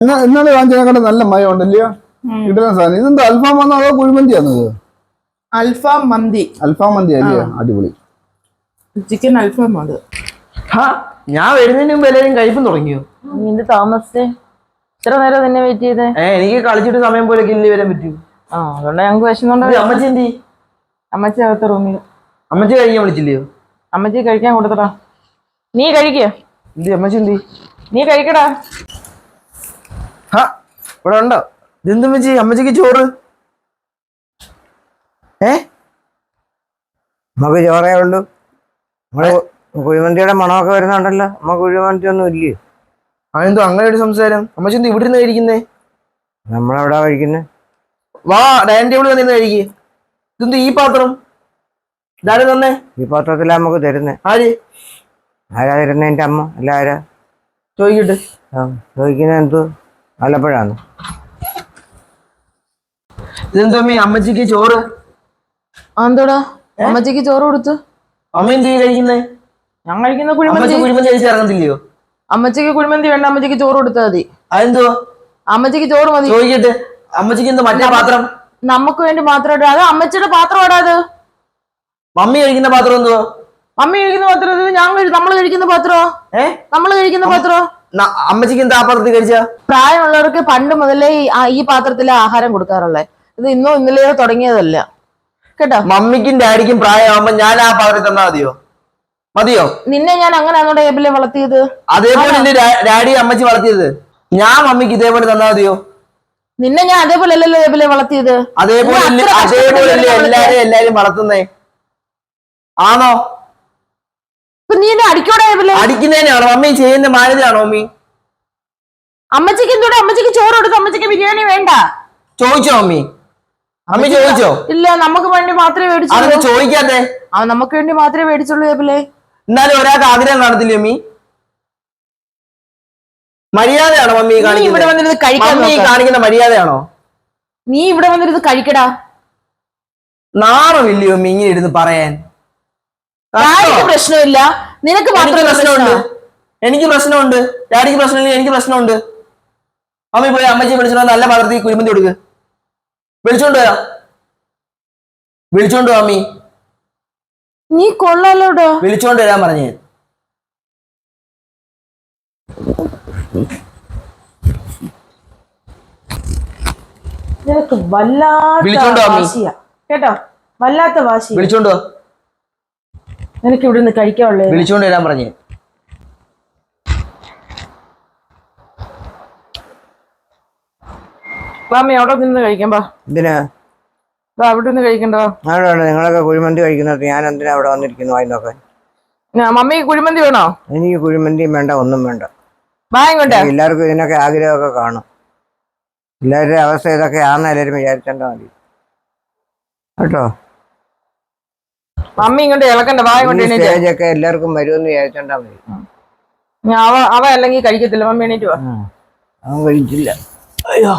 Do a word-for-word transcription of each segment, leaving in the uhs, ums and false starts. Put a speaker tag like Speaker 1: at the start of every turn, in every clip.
Speaker 1: ഇന്നലെ വാങ്ങിച്ചതിനെക്കാളും നല്ല മയം ഉണ്ടല്ലയോ? കിട്ടുന്ന സാധനം ഇതെന്താ അൽഫാം വന്നോ അതോ കുഴിമന്തിയാണത്?
Speaker 2: അൽഫാം മന്തി.
Speaker 1: അൽഫാം മന്തി അല്ലയോ? അടിപൊളി
Speaker 2: ചിക്കൻ അൽഫാം. അത്
Speaker 3: ഞാൻ വരുന്നതിന് മുമ്പ് എല്ലാവരും കഴിപ്പം തുടങ്ങിയോ?
Speaker 4: നിന്റെ താമസിച്ചേ ഇത്ര നേരം തന്നെ വെയിറ്റ് ചെയ്തേ?
Speaker 3: ഏഹ് എനിക്ക് കളിച്ചിട്ട് സമയം പോലെ കില്ലി വരാൻ പറ്റൂ.
Speaker 4: ആ അതുകൊണ്ട് ഞങ്ങൾക്ക് വിശന്നുണ്ടോ.
Speaker 3: അമ്മച്ചി എന്തി?
Speaker 4: അമ്മച്ചി അകത്ത റൂമിൽ.
Speaker 3: അമ്മച്ചി കഴിക്കാൻ വിളിച്ചില്ലയോ?
Speaker 4: അമ്മച്ചി കഴിക്കാൻ കൊടുത്തടാ. നീ കഴിക്കേ?
Speaker 3: എന്തി അമ്മച്ചി എന്തി?
Speaker 4: നീ കഴിക്കടാ.
Speaker 3: ഹാ ഇവിടെ ഉണ്ടോ? ഇതെന്ത് അമ്മച്ചി? അമ്മച്ചിക്ക് ചോറ്? ഏ
Speaker 5: നമുക്ക് ചോറേ ഉള്ളൂ. നമ്മള് കുഴിമന്തിയുടെ മണമൊക്കെ വരുന്നുണ്ടല്ലോ. നമുക്ക് കുഴിമന്തി ഒന്നും ഇല്ലേ?
Speaker 3: അതെന്തോ അങ്ങനെ ഒരു സംസാരം? അമ്മച്ചി എന്ത് ഇവിടെ നിന്ന് കഴിക്കുന്നേ?
Speaker 5: നമ്മളെവിടാ കഴിക്കുന്നേ?
Speaker 3: വാ ഡൈനിങ് ടേബിൾ വന്നിരുന്ന് കഴിക്കേ. ഇതെന്ത് ഈ പാത്രം? ഇതാരും തന്നെ
Speaker 5: ഈ പാത്രത്തിലാ നമുക്ക് തരുന്നേ.
Speaker 3: ആര്
Speaker 5: ആരാ തരുന്നേ? എന്റെ അമ്മ. അല്ല ആരാ
Speaker 3: ചോദിക്കട്ടെ.
Speaker 5: ആ ചോദിക്കുന്ന എന്തോ ആലപ്പുഴാണ്.
Speaker 3: ഇതെന്തോ അമ്മ അമ്മച്ചിക്ക് ചോറ്?
Speaker 4: എന്തോടാ അമ്മച്ചിക്ക് ചോറ് കൊടുത്തു?
Speaker 3: അമ്മ എന്ത് കഴിക്കുന്നേ?
Speaker 4: ഞാൻ കഴിക്കുന്ന കുഴിമന്തി.
Speaker 3: കുഴിമന്തി കഴിച്ച് ഇറങ്ങത്തില്ലയോ?
Speaker 4: അമ്മച്ചിക്ക് കുഴിമന്തി വേണ്ട, അമ്മച്ചിക്ക് ചോറ് കൊടുത്താൽ മതി.
Speaker 3: അതെന്തോ?
Speaker 4: അമ്മച്ചിക്ക് ചോറ് മതി.
Speaker 3: ചോദിക്കട്ടെ അമ്മച്ചിക്ക് എന്തോ മറ്റേ പാത്രം?
Speaker 4: നമുക്ക് വേണ്ടി മാത്രം ഇടാ. അത് അമ്മച്ചിയുടെ പാത്രം ഇടാ. അത്
Speaker 3: മമ്മി കഴിക്കുന്ന പാത്രം എന്തുവാ?
Speaker 4: മമ്മി കഴിക്കുന്ന പാത്രം ഞാൻ നമ്മള് കഴിക്കുന്ന പാത്രോ? ഏ നമ്മള് കഴിക്കുന്ന പാത്രോ?
Speaker 3: അമ്മച്ചിക്ക് എന്താ ആ പാത്രത്തിൽ കഴിച്ച?
Speaker 4: പ്രായമുള്ളവർക്ക് പണ്ട് മുതലേ ഈ പാത്രത്തിലെ ആഹാരം കൊടുക്കാറുള്ളത്. ഇത് ഇന്നോ ഇന്നലെയോ തുടങ്ങിയതല്ല കേട്ടോ.
Speaker 3: മമ്മിക്കും ഡാഡിക്കും പ്രായമാകുമ്പോ ഞാൻ ആ പാത്രത്തിൽ തന്നാ മതിയോ? മതിയോ?
Speaker 4: നിന്നെ ഞാൻ അങ്ങനെയാണോ ടേബിളിൽ വളർത്തിയത്? അതേപോലെ
Speaker 3: എന്റെ ഡാഡി അമ്മച്ചി വളർത്തിയത്. ഞാൻ മമ്മിക്ക് ഇതേപോലെ തന്നാ മതിയോ?
Speaker 4: നിന്നെ ഞാൻ അതേപോലെ അല്ലല്ലോ ടേബിളിൽ വളർത്തിയത്.
Speaker 3: അതേപോലെ അതേപോലെ എല്ലാരും എല്ലാരും വളർത്തുന്നേ ആണോ?
Speaker 4: നീ എന്നെ അടിക്കോടെ?
Speaker 3: അടിക്കുന്നതിനാണോ? മമ്മി ചെയ്യുന്ന മാനേജാണോ മമ്മി?
Speaker 4: അമ്മച്ചിക്ക് എന്തോടെ? അമ്മച്ചിക്ക് ചോറ് കൊടുത്തു. അമ്മച്ചിക്ക് ബിരിയാണി വേണ്ട.
Speaker 3: ചോദിച്ചോ മമ്മി? അമ്മി ചോദിച്ചോ?
Speaker 4: ഇല്ല, നമുക്ക് വേണ്ടി മാത്രമേ മേടിച്ചുള്ളൂ.
Speaker 3: ചോദിക്കാതെ
Speaker 4: ആ നമുക്ക് വേണ്ടി മാത്രമേ മേടിച്ചുള്ളൂ ടേബിളെ.
Speaker 3: എന്നാലും ഒരാൾക്ക് ആഗ്രഹം കാണത്തില്ലേ മമ്മി? മര്യാദയാണോ മമ്മി
Speaker 4: ഇവിടെ വന്നിരുന്ന് കഴിക്കാൻ?
Speaker 3: കാണിക്കുന്ന മര്യാദയാണോ?
Speaker 4: നീ ഇവിടെ വന്നിരുന്ന് കഴിക്കടാ.
Speaker 3: നാണമില്ലയോ മമ്മി ഇങ്ങനെ ഇരുന്ന് പറയാൻ?
Speaker 4: പ്രശ്നമില്ല, നിനക്ക് മാത്രം
Speaker 3: പ്രശ്നമുണ്ട്. എനിക്ക് പ്രശ്നമുണ്ട്. ഡാഡിക്ക് പ്രശ്നമില്ല, എനിക്ക് പ്രശ്നമുണ്ട്. അമ്മി പോയി അമ്മച്ചി വിളിച്ചോ നല്ല പാത്രത്തിൽ കുഴിമന്തി കൊടുക്ക്. വിളിച്ചോണ്ട് വരാം. വിളിച്ചോണ്ട് അമ്മി.
Speaker 4: നീ കൊള്ളാലോടോ.
Speaker 3: വിളിച്ചോണ്ട് വരാൻ പറഞ്ഞു.
Speaker 4: നിനക്ക് വല്ലാത്ത വാശിയാ കേട്ടോ, വല്ലാത്ത വാശി.
Speaker 3: വിളിച്ചോണ്ടോ?
Speaker 4: നിനക്ക് ഇവിടെ നിന്ന് കഴിക്കാനുള്ളേ.
Speaker 3: വിളിച്ചോണ്ട് വരാൻ പറഞ്ഞു.
Speaker 4: മാമി അവിടെ നിന്ന് കഴിക്കാം.
Speaker 5: എന്തിനാ
Speaker 4: അവിടെ നിന്ന് കഴിക്കണ്ടോ?
Speaker 5: അവിടെ നിങ്ങളൊക്കെ കുഴിമന്തി കഴിക്കുന്നത് ഞാൻ എന്തിനാ അവിടെ വന്നിരിക്കുന്നു വായി നോക്കാൻ?
Speaker 4: മമ്മി കുഴിമന്തി വേണോ?
Speaker 5: എനിക്ക് കുഴിമന്തിയും വേണ്ട, ഒന്നും വേണ്ട.
Speaker 4: വാങ്ങോട്ടെ.
Speaker 5: എല്ലാവർക്കും ഇതിനൊക്കെ ആഗ്രഹമൊക്കെ കാണും. എല്ലാവരുടെ അവസ്ഥ ഇതൊക്കെ ആണെന്ന് എല്ലാവരും വിചാരിച്ചാൽ മതി കേട്ടോ.
Speaker 4: മമ്മി ഇങ്ങോട്ട് ഇളക്കണ്ട.
Speaker 5: സ്റ്റേജൊക്കെ എല്ലാവർക്കും വരുമെന്ന് വിചാരിച്ചാൽ മതി.
Speaker 4: അവ അവ അല്ലെങ്കിൽ കഴിക്കത്തില്ല. മമ്മി എണീറ്റ് വാ.
Speaker 5: അവൻ കഴിച്ചില്ല.
Speaker 3: അയ്യോ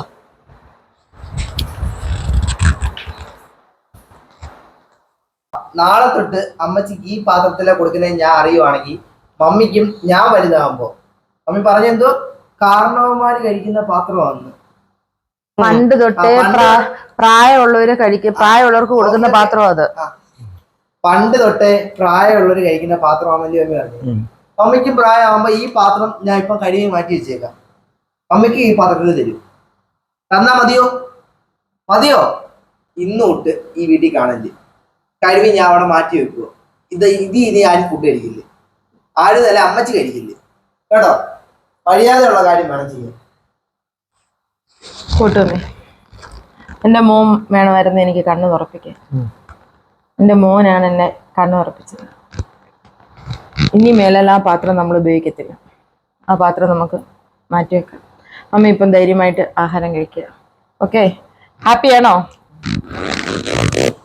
Speaker 3: നാളെ തൊട്ട് അമ്മച്ചിക്ക് ഈ പാത്രത്തിലെ കൊടുക്കുന്നത് ഞാൻ അറിയുവാണെങ്കിൽ മമ്മിക്കും ഞാൻ വലുതാകുമ്പോ മമ്മി പറഞ്ഞെന്തോ കാരണവന്മാര് കഴിക്കുന്ന പാത്രമാണ്.
Speaker 4: പണ്ട് തൊട്ടേ പ്രായമുള്ളവര് കഴിക്കും, പ്രായമുള്ളവർക്ക് കൊടുക്കുന്ന പാത്രം അത്.
Speaker 3: പണ്ട് തൊട്ടേ പ്രായമുള്ളവര് കഴിക്കുന്ന പാത്രമാണല്ലോ മമ്മി പറഞ്ഞു. മമ്മിക്കും പ്രായമാകുമ്പോ ഈ പാത്രം ഞാൻ ഇപ്പം കഴുകി മാറ്റി വെച്ചേക്കാം. മമ്മിക്ക് ഈ പാത്രത്തിൽ തരും. തന്നാ മതിയോ? മതിയോ? ഇന്ന് തൊട്ട് ഈ വീട്ടിൽ കാണല് കഴുകി ഞാൻ അവിടെ മാറ്റി വെക്കുവോ. ഇത് ഇത് ഇനി ആരും ഫുഡ് കഴിക്കില്ലേ. ആരും തന്നെ അമ്മച്ചി കഴിക്കില്ലേ കേട്ടോ. മര്യാദയുള്ള കാര്യം വേണം ചെയ്യാൻ.
Speaker 4: കൂട്ടുമേ, എന്റെ മോൻ വേണമായിരുന്നു എനിക്ക് കണ്ണു തുറപ്പിക്കാൻ. എന്റെ മോനാണ് എന്നെ കണ്ണു തുറപ്പിച്ചത്. ഇനി മേലാൽ ആ പാത്രം നമ്മൾ ഉപയോഗിക്കത്തില്ല. ആ പാത്രം നമുക്ക് മാറ്റിവെക്കാം. അമ്മ ഇപ്പം ധൈര്യമായിട്ട് ആഹാരം കഴിക്കുക. ഓക്കെ, ഹാപ്പിയാണോ?